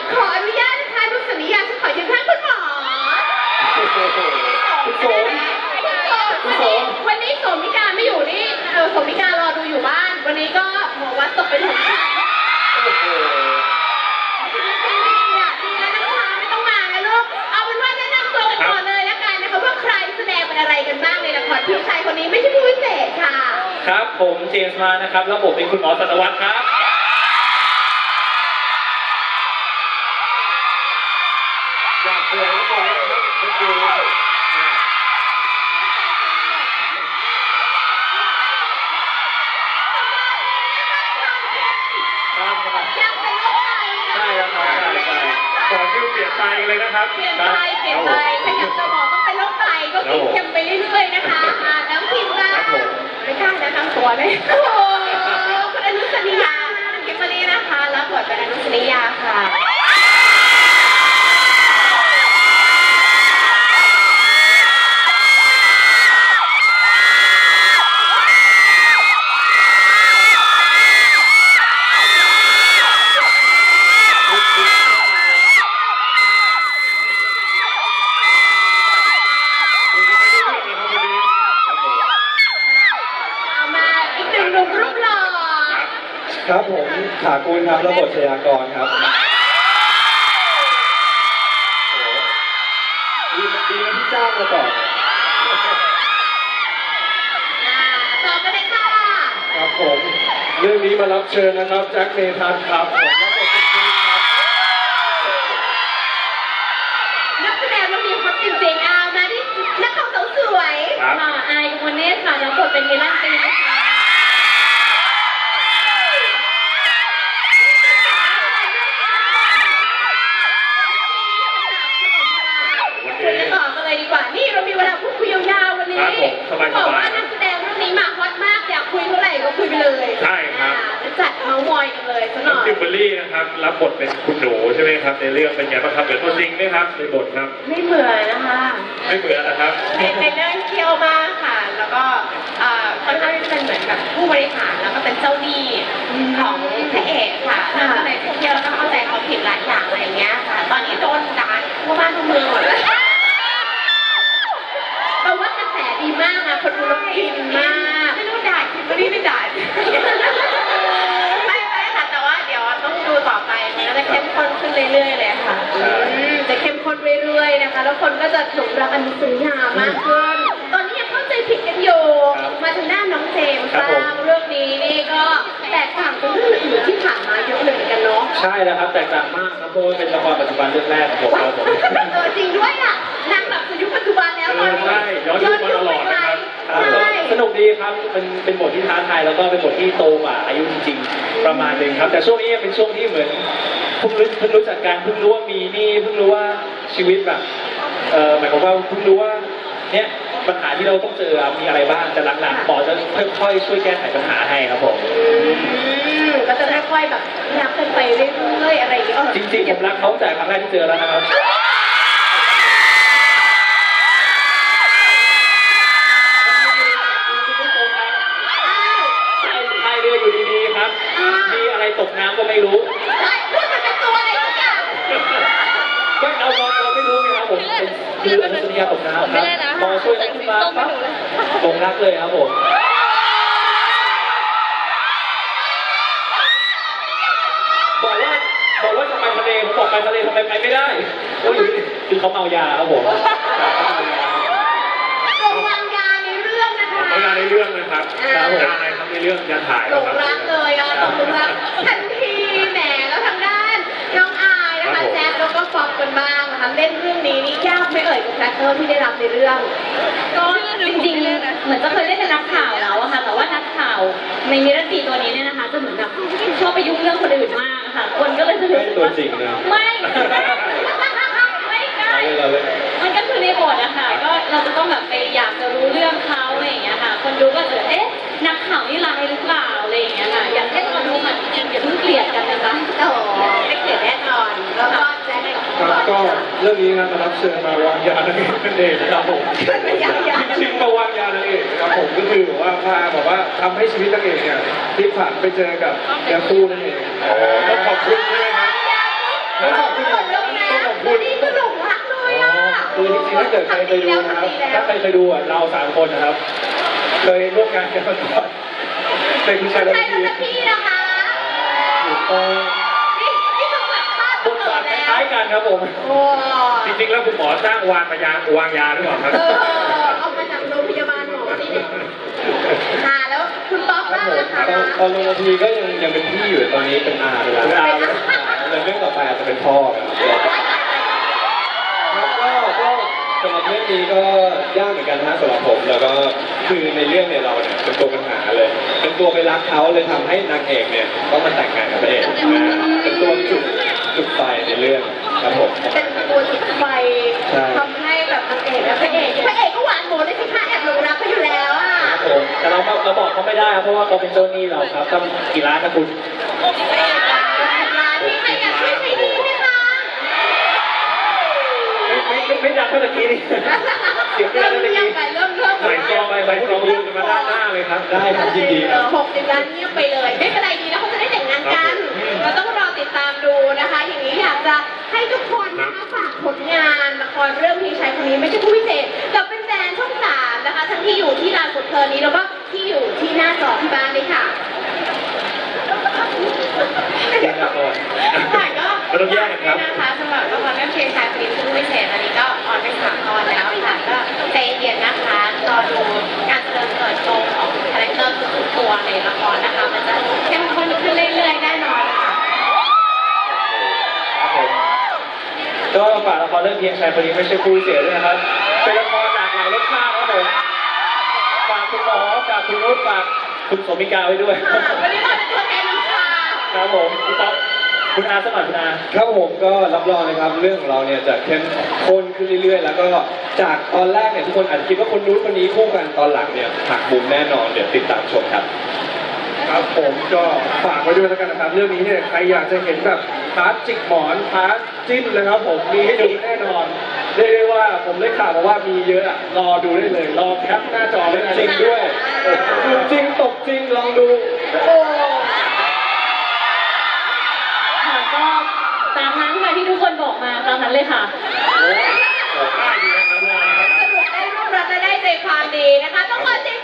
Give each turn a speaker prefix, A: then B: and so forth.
A: ขออนุญาตนะคะนุสนิยาจะขอยืนข้างคุณหมอวันนี้โสมิกาไม่อยู่นี่โสมิการอดูอยู่บ้านวันนี้ก็หมอวัดตกเป็นของฉันดีแล้วนะคะไม่ต้องมานะลูกเอาเป็นว่าแนะนำตัวกันก่อนเลยละกันนะคะว่าใครแสดงเป็นอะไรกันบ้างในละครพี่ชายคนนี้ไม่ใช่ผู้พิเศษค่ะ
B: ครับผมเจมส์มานะครับแล้วผมเป็นคุณหมอสัตวรรษครับอยากเตือนทุกคนนะครับคุณครูใช่ครับขอชื่อเปลี่ยนใจเลยนะครับ
A: เปลี่ยนใจใครอยากจะบอกต้องเป็นโรคไตก็กินเค็มไปเรื่อยๆนะคะน้ำพิมพ์ว่าไม่กล้านะทั้งตัวเลยโอ้โหคุณอนุสนิยาคิมเบอรี่นะคะรับบทเป็นอนุสนิยาค่ะ
C: ครับผมขากูลครับระบบชยากรครับดีนะที่จ้างมาก่อน
A: ต่อไปเลยค่ะ
C: ครับผมเรื่องนี้มารับเชิญนะครับแจ็คเมทัศน์ครับผมรับบทเป็นคริสครับ
A: นักแสดงเรามีคนจริงๆเอามาที่นักข่าวสาวสวย
D: อายกมลเนตรค่ะรับบทเป็นมิลันตีนะคะ
A: คุยกันต่อกันเลยดีกว่านี่เรามีเวลาพูดคุยยาวๆวันนี้บอกว่านักแสดงเรื่องนี้มาฮอตมากอยากคุยเท่าไหร่ก็คุยไปเลย
B: ใช่ครับ
A: จะจัดเมาส์มอยกันเลยซะหน่อย
B: คิมเบอรี่นะครับรับบทเป็นคุณหนูใช่ไหมครับในเรื่องเป็นไงบ้างครับเหมือนตัวจริงไหมครับในบทครับ
A: ไม่เหมือนนะคะ
B: ไม่เหมือนนะครับ
A: ในเรื่องเคี่ยวมากค่ะแล้วก็ค่อนข้างจะเป็นเหมือนแบบผู้บริหารแล้วก็เป็นเจ้าหนี้ของพระเอกค่ะแล้วก็เลยเคี่ยวแล้วก็เข้าใจเขาผิดหลายอย่างอะไรเงี้ยค่ะตอนนี้โดนด่าทั่วบ้านทั่วเมืองหมดเลยเราว่ากระแสดีมากนะคนดูแล้วอินมากไม่รู้ด่าคิมเบอรี่ไม่ด่าไม่ค่ะแต่ว่าเดี๋ยวต้องดูต่อไปมันก็จะเข้มข้นขึ้นเรื่อยๆเลยค่ะจะเข้มข้นเรื่อยๆนะคะแล้วคนก็จะหลงรักอนุสนิยามากขึ้นตอนนี้ยังเข้าใจผิดกันอยู่มาทางด้านน้องเจมส์บ้างเรื่องนี้นี่ก็แตกต่างจากเรื่องอื่นที่ผ่านมาเยอะเลยกันเนาะ
B: ใช่แล้วครับแตกต่างมากครับเพราะว่าเป็นละครปัจจุบันเรื่องแรกของผมครับผม
A: จริงด้วยอ่ะนางแบบยุคปัจจุบันแล้วตอนนี้
B: ใช่ย้อนยุคมาตลอดนะครับสนุกดีครับเป็นบทที่ท้าทายแล้วก็เป็นบทที่โตกว่าอายุจริงๆประมาณนึงครับแต่ช่วงนี้เป็นช่วงที่เหมือนเพิ่งรู้จักกันเพิ่งรู้ว่ามีนี่เพิ่งรู้ว่าชีวิตแบบหมายความว่าเพิ่งรู้ว่าเนี่ยปัญหาที่เราต้องเจอมีอะไรบ้างแต่หลังๆหมอจะค่อยๆช่วยแก้ไขปัญหาให้ครับผม
A: ก็จะค่อยๆแบบรักกันไปเรื่อยๆอะไรอย่างเงี้ย
B: จริงๆผมรักเขาแต่ครั้งแรกที่เจอแล้วนะครับพายเรืออยู่ดีๆครับมีอะไรตกน้ำก็ไม่รู้
A: พูดมันเป็นตัวอะไรทุกอย่าง
B: ก็เราไม่รู้ไงครับผมคืออนุสนิยาตกน้ำครับพอช่วยขึ้นมาปั๊บตกรักเลยครับผมบอกว่าจะไปทะเลผมบอกไปทะเลทำไมไปไม่ได้ก็อยู่คือเขาเมายาครับผม
A: วางยาในเรื่องนะคะ
B: วางยาในเรื่องนะครับยาอะไรครับในเรื่องยาถ่าย
A: หลงรักเลยหลงรักทันทีแหมแล้วทางด้านน้องอายนะคะแจ๊คแล้วก็ฟอกกันบ้างนะคะเล่นเรื่องนี้นี่ยากไม่เอ่ยกับคาแรคเตอร์ที่ได้รับในเรื่อง
D: ก็จริงๆเหมือนจะเคยเล่นเป็นนักข่าวแล้วอะค่ะแต่ว่านักข่าวในมิรันตีตัวนี้เนี่ยนะคะจะเหมือนแบบชอบไปยุ่งเรื่องคนอื่นมากค่ะคนก็เลยจะรู้สึกว่าไม่มันก็คือในบทอะค่ะก็เราจะต้องแบบไปอยากจะรู้เรื่องเขาอะไรอย่างเงี้ยค่ะคนดูก็จะนักข่าวนี่ร้ายหรือเปล่าอะไรอย่างเงี้ยค่ะอยากให้คนดูมันจริงอย่าเพิ่งเกลียดกันนะคะ
A: โอ้ไม่เกลียดแน่นอนแล้วก็แจ๊ค
C: ครับก็เรื่องนี้นะมารับเชิญมาวางยานั่นเองครับผมจริงๆมาวางยานั่นเองครับผมก็คือว่าพาบอกว่าทำให้ชีวิตนางเอกเนี่ยพลิกผันไปเจอกับยาคูนั่นเอง
B: ต้องขอบคุณใช่ไหมครับ
C: แล้วขอบคุณคือจริงๆถ้าเกิดใครเคยดูนะครับ
B: ถ้าใครเคยดูอ่ะเราสามคนนะครับ เคยร่วมงานกันมาก่อนในคุณชายและ
A: ใช่
B: พี่
A: แล้วพี่นะคะ
B: ถูกต้อง
A: นี่คือแบบภาพ
B: บทบาทคล้ายๆกันครับผม
A: โอ้
C: จริงๆแล้วคุณหมอจ้างวางยาหรือเปล่าครับ
A: เอามาจากโรงพยาบาลหมอสิเนี่ยค่ะแล้วคุณป๊อกบ้างนะคะ
C: ตอนลงนาทีก็ยังเป็นพี่อยู่ตอนนี้เป็นอาไปแล้ว
B: เป็นอา
C: แต่เรื่องต่อไปอาจจะเป็นพ่อครับก็สำหรับเรื่องนี้ก็ยากเหมือนกันนะสำหรับผมแล้วก็คือในเรื่องเนี่ยเราเนี่ยเป็นตัวปัญหาเลย เป็นตัวไปรักเขาเลยทำให้นางเอกเนี่ยต้องมาแต่งงานกับพระเอกนะเป็นตัวจุดไฟในเรื่องครับผม
A: เป็นตัวจิตไฟ
C: ใช่
A: ทำให้แบบนางเอกและพระเอกก็หวานโหมเลยสิคะแอบหลงรักเขาอยู่แล้วอ่ะ
B: ครับผมแต่เราบอกเขาไม่ได้ครับเพราะว่าเขาเป็นเจ้าหนี้เราครับต้องกี่ล้านนะคุณ
A: ร้านนี้ใครอยากช่วยใช้ดีไหมคะ
B: ไม่ดังเท่าตะกี้นี่เสียงไม่
A: เริ่
B: ดัง
A: ม
B: เท่าตะ
A: เงียบ
B: กี้
A: ไปเริ่ม
C: ใส่ซองไปซองยืนกันมาด้านหน้าเลยครับ ได้ครับยินดีครับ
A: 60 ล้านเงียบไปเลย ไม่เป็นไรดีนะเขาจะได้แต่งงานกัน เราต้องรอติดตามดูนะคะ อย่างนี้อยากจะให้ทุกคนนะคะฝากผลงานละครเรื่องพี่ชายคนนี้ไม่ใช่ผู้พิเศษกับเป็นแฟนช่อง3นะคะ ทั้งที่อยู่ที่ลานกดเพลินนี้แล้วก็ที่อยู่ที่หน้าจอที่บ้านเลยค่ะ
B: เก่งละคร
D: ค่ะก็
B: ไม่ต้องแยกกันครับ
D: นะคะสำหรับละครเรื่องเพลงชายคนนี้ผู้พิเศษอันนี้ก็ออนไป3 ตอนแล้วค่ะก็ใจเย็นนะคะรอดูการเจริญเติบโตของคาแรคเตอร์ทุกๆตัวในละครนะคะ มันจะเข้มข้นขึ้นเรื่อยๆแน่นอนค่ะ
B: ครับผมก็ฝากละครเรื่องเพียงชายคนนี้ไม่ใช่ผู้พิเศษด้วยนะครับ เป็นละครหลากหลายรสชาติครับผมฝากคุณหมอฝากคุณนุชฝากคุณโสมิกาไว้ด้วย
A: วันนี้มาเป็นตัวแทนน้ำชา
B: ครับผมพี่ต๊อกคุณอาสมัครคุณอา
C: ครับผมก็รับรองนะครับเรื่องของเราเนี่ยจะเข้มข้นขึ้นเรื่อยๆ แล้วก็จากตอนแรกเนี่ยทุกคนอาจจะคิดว่าคนนู้นคนนี้คู่กันตอนหลังเนี่ยหักมุมแน่นอนเดี๋ยวติดตามชมครับ ครับผมก็ฝากไว้ด้วยแล้วกันนะครับเรื่องนี้เนี่ยใครอยากจะเห็นแบบพาร์ทจิกหมอนพาร์ทจิ้นเลยครับผมมีให้ดูแน่นอนเรียกได้ว่าผมได้ข่าวมาว่ามีเยอะอะรอดูได้เลยรอแคปหน้าจอไว้นะจริงด้วยดูจริงตกจริงลองดู
A: โอ้
D: ค่ะก็ตามนั้นค่ะที่ทุกคนบอกมาตามนั้นเลยค่ะ
C: ได้ดีนะครับ
A: สรุปได้รูปรัดและได้ใจความดีนะคะ ต้องขอเสียง